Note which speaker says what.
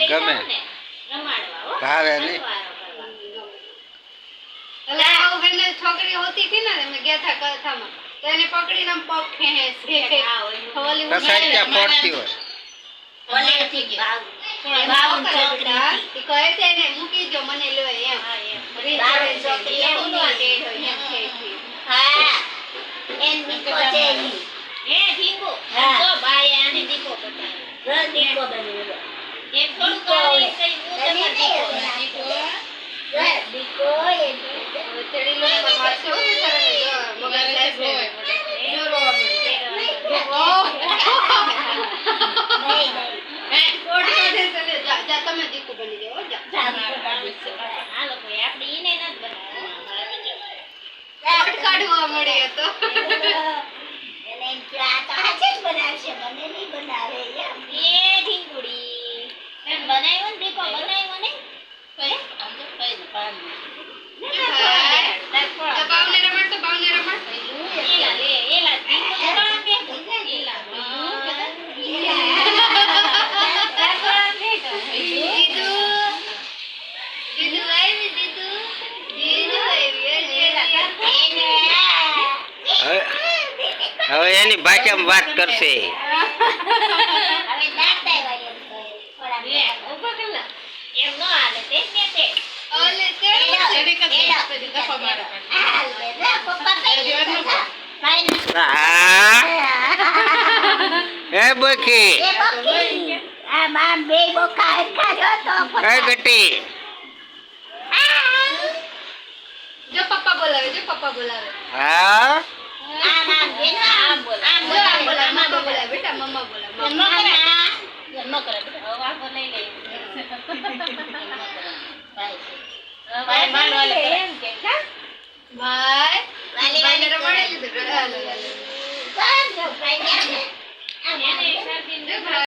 Speaker 1: ગમે ભાવે નહીં
Speaker 2: છોકરી હોતી હતી ને અમે ગયા હતા કથામાં તો એને પકડીને આમ પગ ખેંચે
Speaker 1: કસાઈ ત્યાં પડતી હોય
Speaker 2: કહે છે ને મૂકી દો મને લો એમ તમે દીકુ બની જાઓ કાઢવા મળે તો
Speaker 1: હવે એની ભાષામાં વાત કરશે હે બખી કઈ ગટી
Speaker 2: જો પપ્પા બોલાવે
Speaker 1: હા
Speaker 2: બેટા મમ્મા બોલાવે